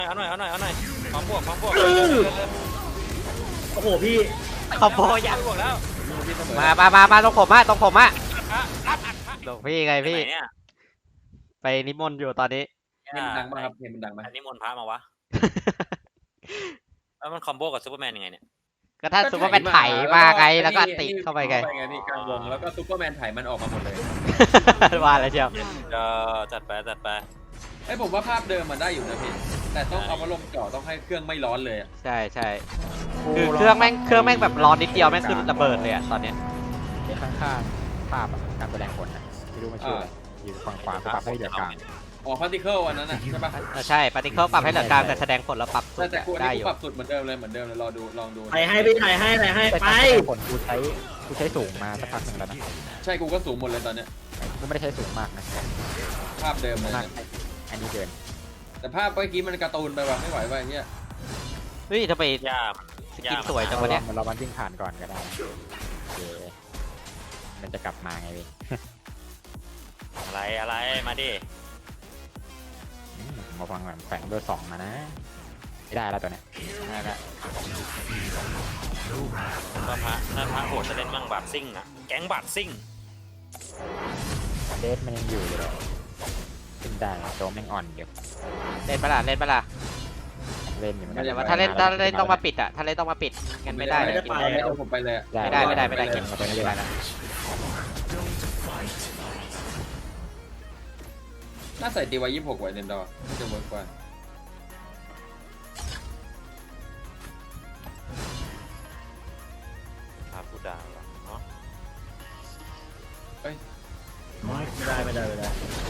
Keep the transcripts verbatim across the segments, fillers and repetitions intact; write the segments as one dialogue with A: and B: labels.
A: เอาหน่อยเอาหน่อยเอาหน่อยพร้อมบวกพร้อมบวก
B: โอ้โหพี่
C: ขอบโบยัง
A: บวกแล้ว
C: มามามามาตรงผมอะตรงผมอะตรงพี่ไงพี่ไปนิมนต์อยู่ตอนนี้
D: เพลงมันดังมากครับเพลงมันดังไหม
A: อันนี้มนต์พระมาวะแล้วมันคอมโบกับซูเปอร์แมนยังไงเนี่ย
C: ก็ถ้าซูเปอร์แมนไถมาไงแล้วก็ติดเข้าไปไง
D: นี่กลางวงแล้วก็ซูเปอร์แมนไถมันออกมาหมดเลย
C: ว่าอะไรเชียว
A: เออจัดไปจัดไป
D: ไอ้ผมว่าภาพเดิมมันได้อยู่นะพี่แต่ต้องเอามาลงจ่อต้องให้เครื่องไม่ร้อนเลย
C: ใช่ใช่คือเครื่องแม่งเครื่องแม่งแบบร้อนนิดเดียวแม่งขึ้นระเบิดเลยอะตอนเนี้ย
E: ข้างๆภาพการแสดงผลนะไม่รู้มันชื่ออะไรอยู่ฝั่งขวาปรับให้เหลือกลาง
D: อ๋อพาร์ติเคิลอันนั้นนะใช่ปะ
C: ใช่ปาร์ติเคิลปรับให้เหลือกลางแต่แสดงผลแล้วปรับสุด
D: ได้อยู่ปรับสุดเหมือนเดิมเลยเหมือนเดิมเลยรอดูลองดู
B: ถ่ายให้ไปถ่ายให้ถ่ายให้ไป
E: ผลกูใช้กูใช้สูงมาสักพักหนึ่งแล้วนะ
D: ใช่กูก็สูงหมดเลยตอนเนี้ย
E: กูไม่ได้ใช้สูงมากนะ
D: ภาพเดิมเลย
E: อันนี้เดิน
D: แต่ภาพเมื่อกี้มันการ์ตูนไปว่ะไม่ไหวว่ะเนี่ย
C: เฮ้ยทำไม
A: ยาก
C: สกินสวยจังวะเนี่ย
E: เรามันวิ่งผ่านก่อนก็ได้มันจะกลับมาไงพี่
A: อะไรอะไรมาดิ
E: มาฟังแบบแฝงเบอร์สองมานะไม่ได้แล้วตัวเนี้ย
C: ได้แล้ว
A: ก็พระถ้าพระโหดจะเล่นมั่งบาดซิ่งอ่ะแก๊งบาดซิ่ง
E: เดสมันยังอยู่เลยขึ้นได้ตัวแม่งอ่อนเดี๋ยว
C: เล่นปะล่ะเล่นปะล่ะ
E: เล่นอยู่มันแต่
C: ว่าถ้าเล่นถ้าเล่นต้องมาปิดอ่ะถ้าเล่นต้องมาปิดงั้นไม่ได้
D: ไม่ได้ไปไม่ได้ผมไปเลย
C: ไม่ได้ไม่ได้ไม่ได้เก็บ
E: ตัวนี้ได้นะ
D: น่าใส่ตีไว้ยี่สิบหกไว้เดนดอร์จะเวิร์กกว่า
A: พาผู้ดาวเนาะ
D: เอ้ย
B: ไม่ได้ไม่ได้ไม่ได้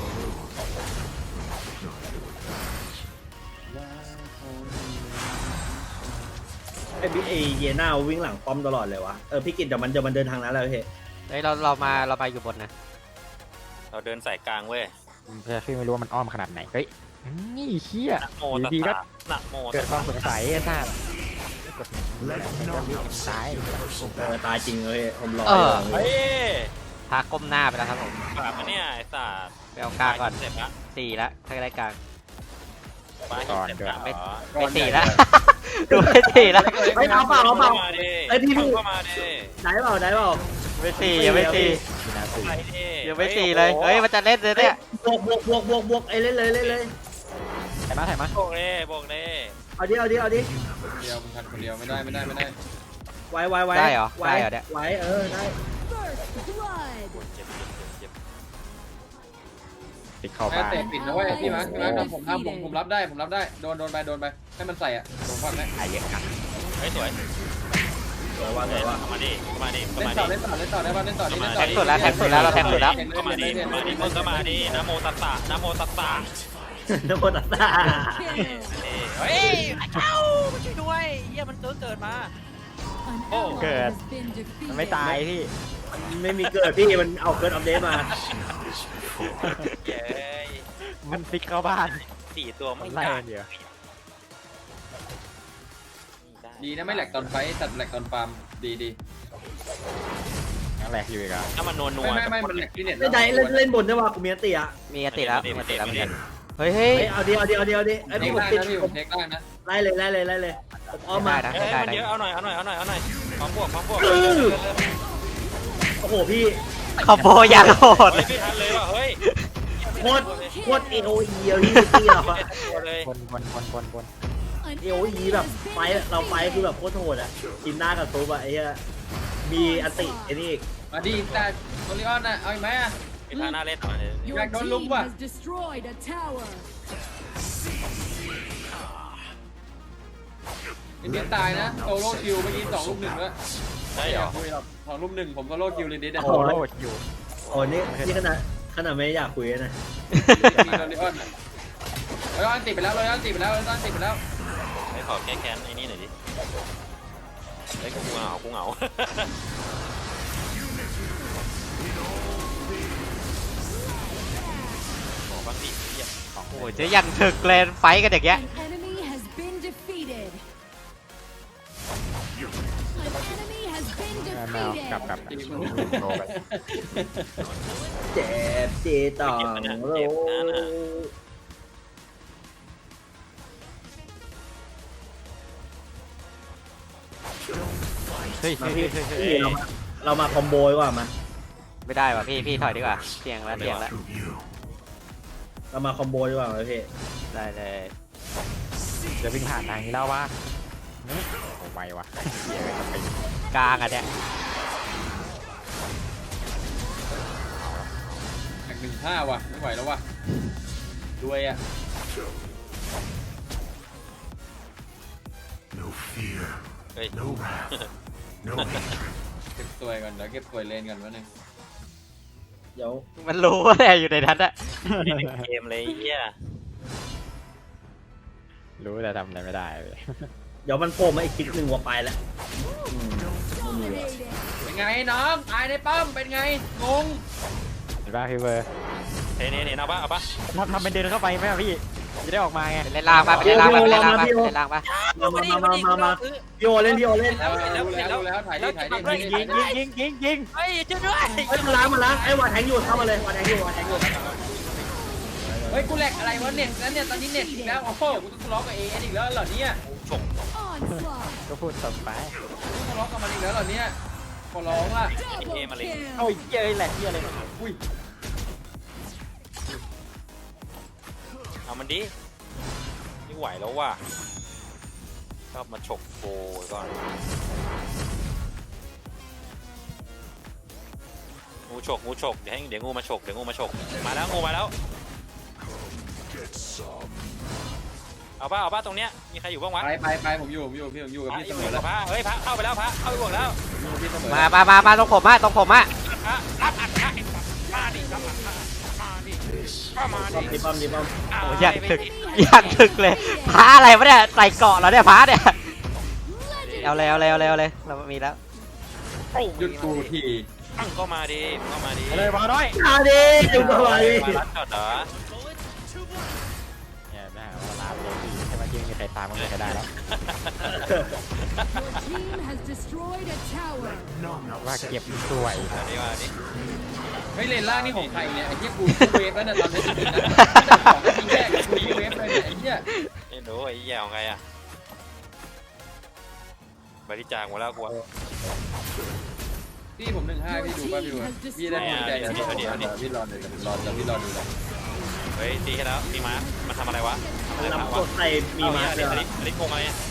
B: ไอ้บิ๊กไอเยน่าวิ่งหลังป้อมตลอดเลยวะเออพี่กิตเดี๋ยวมันจะมันเดินทางนั้นแล้วเฮ้ย
C: เฮ้ยเราเรามาเราไปอยู่บนนะ
A: เราเดินสายกลางเว้ย
E: เพื่อพี่ไม่รู้ว่ามันอ้อมขนาดไหนเฮ้ยนี่เชี่ย
A: ดี
E: ก็
A: หนักโม
E: เกิดความสงสัยไอ้ท่าตาย
B: เออตายจริงเลยผมรอ
A: เฮ้ย
C: พาก้มหน้าไปแล้วครับผม
A: กลับมาเนี่ยไอ้สัตว์
C: ไปเอากลางก่อนสี่แล้วถ้าได้กลาง
A: ก่อน
C: ไม่ไม่สี่แล้วดูไม่สี่แล้ว
B: ไม่เอาเปล่าเอาเปล่า
A: ไอ้พี่พี่เข้ามาดิ
B: ได้เปล่าได้เปล่า
C: ไม่สี่ยังไม่สี่ยังไม่สี่เลยเฮ้ยมันจะเล่นเลยเนี่ย
B: บวกบวกบวกบวกบวกไอ้เล่นเลยเล่นเลย
E: ถ่ายมาถ่ายมา
A: บวกเลยบวกเลย
B: เอาดิเอาดิเอาดิ
D: เดียวมันทันคนเดียวไม่ได้ไม่ได้ไม่ได้
B: ไว้ไว้ไว้
C: ได้เหรอได้เหรอเนี่ย
B: ไว้เออได้
E: ปิดเข้าบ้าน
D: เตะปิดนะเว้ยพี่มาร์คพี่มาร์คผมทำผมผมรับได้ผมรับได้โดนโดนไปโดนไปให้มันใส่อ่ะโดนฟังได้
E: ไอ้เหี้ยครับ
A: เฮ้ยสวย
B: สวยว่าสวยว่า
A: มาดิมาดิ
D: เล่นต่อเล่นต่อเล่นต่อได้ป่ะเล่นต่อนี่เล่นต่อ
C: แทงสุดแล้วแทงสุดแล้วเราแทงสุดแล้ว
A: ก็มาดิมาดิมึงก็มาดินะโมตัสสะนะโมตัสสะ
B: นะโมตัสสะ
A: เฮ้ยเจ้าช่วยด้วยเยี่ยมันเกิดเกิดมา
E: โอ้เกิดมันไม่ตายพี่
B: ไม่มีเกิดพี่มันเอาเกิดอัปเดตมา
E: มันฟิกเข้าบ้าน
A: สี่ตัวไม่
E: ได้เดียว
D: ดีนะไม่แหลกตอนไฟตัดแหลกตอนฟาร์มดีดี
E: แหลกอยู่อีกอ่ะ
A: ถ้ามันนัวนัว
D: ไม่ไม่มันแหลกที่เน็ต
B: ไม่ได้เล่นเล่นบนใช่ป่ะกูมีติอ่ะ
C: มีติแล้วมีติแล้วเหมือนกันเฮ้ย
B: เอาดิเอาดิเอาดิเอาดิไอ้พี่ผมติด
D: ผมเทคได้นะ
B: ไล่เลยไล่เลยไล่เลยอ้อมมา
C: ได้
A: เยอะเอาหน่อยเอาหน่อยเอาหน่อยเอาหน่อยพร้อมบวกพร้อมบวก
B: โอ้โหพี่
C: ขอบโบยังโหด
A: ไม่ทันเลยว่ะเฮ้ย
B: โคตรโคตรเอโออีอะพี่ตีหรอ
E: คนคนคนคนคน
B: เอโออีแบบไฟเราไฟคือแบบโคตรโหดอ่ะกินหน้ากับซุปอ่ะไอ้เหี้ยมีอันติไอ้นี่
D: มาดีแต่โอริออนน่ะเอาอีกไหมอ่ะ
A: ไปทางหน้าเล่นหน่อย
D: อยากโดนลุมว่ะอินเดียตายนะโซโล่คิวเมื่อกี้สองลูกหนึ่งด้วย
A: ใช่เหรอ
D: สองลูกหนึ่งผมโซโล่คิวเลยดิเดน
E: โซโล่คิว
B: โอ้นี่นี่ขนาดขนาดไม่อยากคุยนะ
D: โอริออนโอริออนติดไปแล้วโอริออนติดไปแล้วโอริออนติดไปแล้ว
A: ให้ขอแก้แค้นไอ้นี่หน่อยดิไอ้กูเหงากูเหงาบอกบ้างดิ
C: โอ้ยจะยังถึกเลนไฟกันอย่างเงี้ย
E: แมวกลับกลับ
B: เจ็บจีต่อโล
C: เฮ้ย
B: มา
C: เฮ้ย
B: พี่
C: เฮ้ยเฮ้ย
B: พี่เรามาเรามาคอมโบดีกว่ามา
C: ไม่ได้ว่ะพี่พี่ถอยดีกว่าเสี่ยงแล้วเสี่ยงแล้ว
B: เรามาคอมโบดีกว่าพี่
C: ได้เลย
E: จะวิ่งผ่านทางนี้แล้ววะโอ้ไววะเหี้ยเลยไป
C: กลางอ่ะเนี่ย
D: แข่งหนึ่งห้าว่ะไม่ไหวแล้วว่ะด้วยอ่ะ
F: No fear,
A: เฮ้ย
F: no wrath, no hatred.
D: เก็บตัวก่อนเดี๋ยวเก็บตัวเลนก่อนวะหนึ่ง
B: เดี๋ยว
C: มันรู้ว่าแหละอยู่ในนั้นอะ
A: นี่เป็นเกมเลยไอ้เฮีย
E: รู้แต่ทำอะไรไม่ได้เลย
B: เดี๋ยวมันโผล่มาอีกคลิปหนึ่งว่าไปแล้วอืมไม่มีว่ะ
D: เป็นไงน้องตายในป้อมเป็นไงงง
E: เห็นป่ะพี่เบอร์
A: เฮ้ยนี่นี่เอาปะเอาปะ
E: ทำทำเป็นเดินเข้าไปไหมอะพี่จะได้ออกมาไง
C: ไปเล่นล่างปะไปเล่นล่างปะไปเล่นล่างปะไปเล่นล่างปะ
B: มามามามามาพี่โอเล่นพี่โอเล่น
D: แล้วแล้วแล้วแล้วถ่ายดิถ่ายดิถ่ายดิ
E: ยิงยิงยิงยิงยิง
A: เฮ้ยช่วยด้วย
B: เฮ้ยมาล้างมาล้างไอ้วาแทงอยู่เข้ามาเลยวาแทงอยู่วาแทงอยู่
D: เฮ้ยกูแหลกอะไรวะเน็ตแล้วเนี่ยตอนนี้เน็ตอีกแล้วโอ้โหกูต้องทะเลาะกับเออีกแล้วเหรอเนี่ย
E: ก็พูดต่อไป
D: ต้องทะเลาะกับมันอีกแล้วเหรอเนี่ยขอร้องล่ะ
A: ไอ้เกมอะไร
E: โอ้ยเย้ยแหลกเหี้ยอะไร
D: อุ้ย
A: เอามันดิไม่ไหวแล้วว่ะชอบมาฉกโบก่อนงูฉกงูฉกเดี๋ยวให้เดี๋ยวงูมาฉกเดี๋ยวงูมาฉกมาแล้วงูมาแล้วเอาป้าเอาป้าตรงเนี้ยมีใครอยู่บ้างวะ
D: ไปไปไปผมอยู่ผมอยู่พี่ผมอยู่กับ
A: พระ
D: พี่
A: อ
D: เส
A: ยู่
D: มอ
A: กั
D: แล้
A: บ
D: ว
A: พระเฮ้ยพระเข้าไปแล้วพระเข้าไปบวกแล้ว
D: อยู่กับพี่เสมอ
C: มามามามาตรงผมอะตรงผมอะ
A: พระรับอัดพระไอ้สัตว์มาดิรับอัดพระมาดิก็มา
B: ป้อม
A: ดิ
B: ดิป้อมดิป้อม
C: โอ้ยอยากถึกอยากถึกเลยพระอะไรวะเนี่ยใส่เกาะเหรอเนี่ยพระเนี่ยเอาเลยเอาเลยเอาเลยเอาเลยเรามีแล้ว
D: หยุดกูที
A: ตั้งก็มาดิก็มาดิ
E: เลยมาน้อย
B: มาดิดูมาดิ
A: มารัดจอดเหรอ
E: เนี่ยไม่หาว่าลาไปเลยพี่ใช่ไหมที่ไม่มีใครตามมันก็ได้แล้ว ว่าเก็บสวย
A: มาดิมาดิ
D: เฮ้ยเลนล่างนี่ของใครเนี่ยไอ้เหี้ยกูเวฟแล้วเนี่ยตอนนี้จริงๆนะของจริงแรกกูเวฟเลยเนี่ยไอ้เหี้ย
A: ไม่รู้ไอ้แย่ของไงอ่ะบริจาคหมดแล้วกู
D: พี่ผมหนึ่งห้าพี่ดูป่ะพี่ดูพี่ได้ดีใจนะพี่รอเลยรอจะพี่รอดูเลย
A: เฮ้ยตีกันแล้วมีม้ามันทำอะไรวะทำอะไร
B: ลำ
A: วะ
B: กดใส่มีมา
A: เล
B: เลย ย
A: อลิอลิโกงอะไรเนี่ย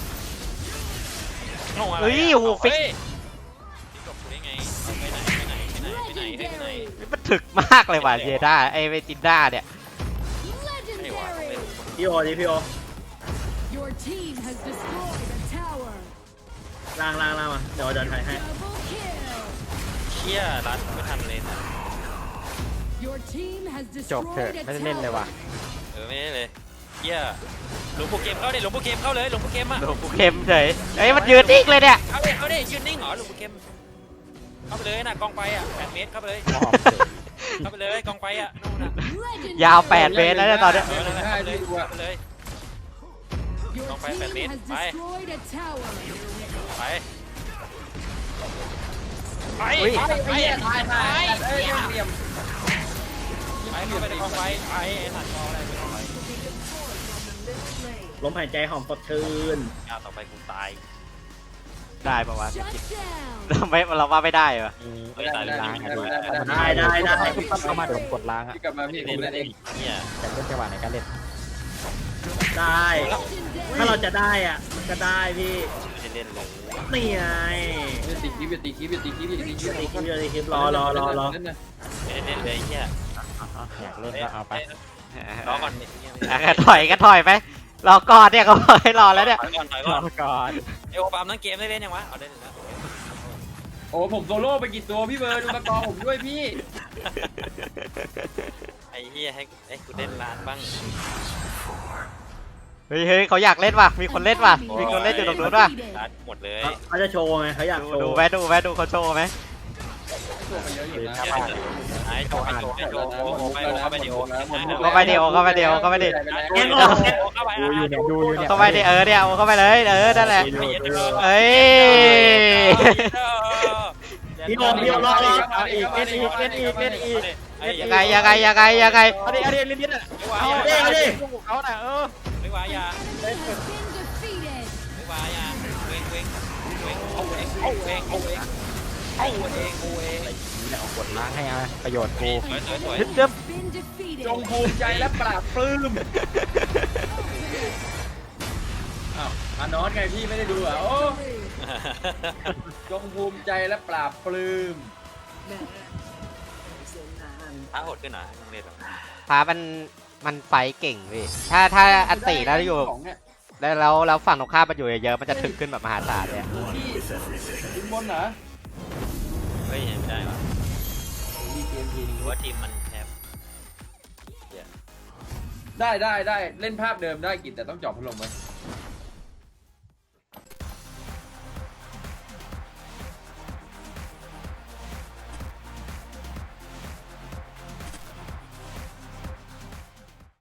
A: งงอะไร
C: เฮ้ยโอ้โหฟิก
A: นี่จบได้ไงไปไหนไปไหนไปไหนไปไหนไปไหน
C: มันถึกมากเลยว่ะเยด้าไอเวจินด้าเนี่ย
A: ไม่หวต้องเล่น
B: พี่โอดิพี่โอ
G: Your team has destroyed a tower.
B: ล่างล่างล่างมาเดี๋ยวเดินถ่ายให้
G: Double kill.
A: เชี่ยรัดไม่ทันเลยนะ
G: Your team has
E: จบเถอะ
G: destroyed a
E: ไม่ได้เล่นเลย
G: tower.
E: ว่ะ
A: เออไม่ได้เลยเชี่ยหลวงปู่เกมเข้าดิหลวงปู่เกมเข้าเลยหลวงปู่เกมอ่ะ
C: โดนกูเค็มเฉยเอ้ยมันยืนนิ่งเลยเนี่ย
A: เอาดิเอาดิยืนนิ่งเหรอหลวงปู่เกมเข้าไปเลยนะกองไฟอ่ะแปดเมตรเข้าไปเลย
E: มอบ
A: เข้าไปเลยกองไฟอ่ะนู่นน่ะ
C: ยาวแปดเมตรแล้วเนี่ยตอนเนี้ย
A: เออนั่นแหละเข้าไปเลยเข้าไปเลย
G: Your
A: Don't fight that
G: team
A: mid.
G: has
A: Bye.
G: destroyed a tower.
A: ไปไป
C: อุ้ย
A: ไปไป
D: ไอ้เหี้ยตายตายเอ้ยเหลี่ยม
A: ไปเข้าไปในกองไฟไปไอ้สัตว์กองอะไรไปกองไฟ
B: ลมหายใจหอมสดชื่น
A: อ้าวต่อไปกูตาย
C: ได้ปะวะ
G: Shut down.
C: เราไม่เราว่าไม่ได้เหรอ
A: เฮ้ยตายเลย
E: ล้าง
A: ไม่
E: กัน
A: ได้
E: ดู
B: ได้ได้ได้
E: ปั๊บเข้ามาเดี๋ยวผมกดล้างอ่ะ
D: พี่กลับมาพี่ผมเล่นเอง
A: เนี่ย
E: แต่เล่นจังหวะไหนก็เล่น
B: ได้ ถ้าเราจะได้อ่ะมันก็ได้พี่
A: ไม่ได้เล่นเลย
B: นี่ไง
D: ตีคลิปตีคลิปตีคลิปตีคลิป
B: ตีคลิปตีคลิปรอรอรอรอ
D: เล่นนะ
A: ไม่ได้เล่นเลยเฮีย
E: อ่ะอยากเล่นก็เอาไป
A: รอก่อน
C: อ่ะก็ถอยก็ถอยไปรอก่อนเนี่ยเขาบอกให้รอแล้วเนี่ย
A: ถอยก่อนถอย
E: ร
A: ก่
E: อ
A: อน
E: ก่อน
A: เอวปามทั้งเกมได้เล่นยังวะเอาได้เลยแล้ว
D: โอ้ผมโซโล่ไปกี่ตัวพี่เบิร์ดดูตะกอผมด้วยพี่
A: ไอ้เฮียให้ให้กูเล่นร้านบ้าง
C: เฮ้ยเฮ้ยเขาอยากเล่นว่ะมีคนเล่นว่ะมีคนเล่นอยู่ตรงนู้นว่ะ
A: ร้านหมดเลย
B: เขาจะโชว์ไงเขาอยาก
C: ดู
B: โช
C: ดู
B: ว์
C: ไหมดูไหมดูเขาโชว์ไหม
D: ตัวไปเยอะอยู่นะ
A: ไอ้โจไอ้โจไอ้โจโอ้โหไปเข้าไปดิโอ
C: เข้าไปเดียวเข้าไปเดียวเข้าไปดิ
B: แย่งออก
A: เข้าไป
E: ดูอยู่เนี่ยดูอยู่เนี่ย
C: เข้าไปดิเออเนี่ยเอาเข้าไปเลยเออนั่นแหละเอ้ย
B: พี่โอพี่โอรอรอ
E: เอาอีกเล่นอีกเล่นอีกเล่นอีก
C: ยังไงยังไงยังไงยังไง
E: เอาดิเอาดิเล่นนิดอ่ะ
A: ไม่ไหว
E: เอา
A: อย่า
E: ดิเอาดิเขาน่ะเออ
A: ไม่ไหวอย่า
G: Has been defeated.
A: ไม่ไหวอย่าเองเองเองเอาเองเอาเองเอาเองเอาเองเอาเอง
E: นี่แหละเอากดล้างให้เอาประโยชน์กู
A: สวยสวยสวย
C: ฮึดจึ๊บ
G: Been defeated.
D: จงภูมิใจและปราบปลื้มอ้าวอานอสไงพี่ไม่ได้ดูเหรอ่ะโอ้จงภูมิใจและปราบปลื้ม
A: ท้าโหดขึ้นนะต้องเล่นหรอ
C: พามันมันไฟเก่งพี่ถ้าถ้าอันติแล้วอยู่
D: ของเนี่ย
C: แล้วแล้วแล้วฝั่งตรงข้ามมันอยู่เยอะๆมันจะถึกขึ้นแบบมหาศาลเลยอะ
D: พี่ทีมบนเหรอ
A: เฮ้ยยังไม่ได้ว่ะ
D: มีเกมที
A: หรือว่าทีมมันแทบ
D: ได้ได้ได้เล่นภาพเดิมได้กิจแต่ต้องเจาะพัดลมไว้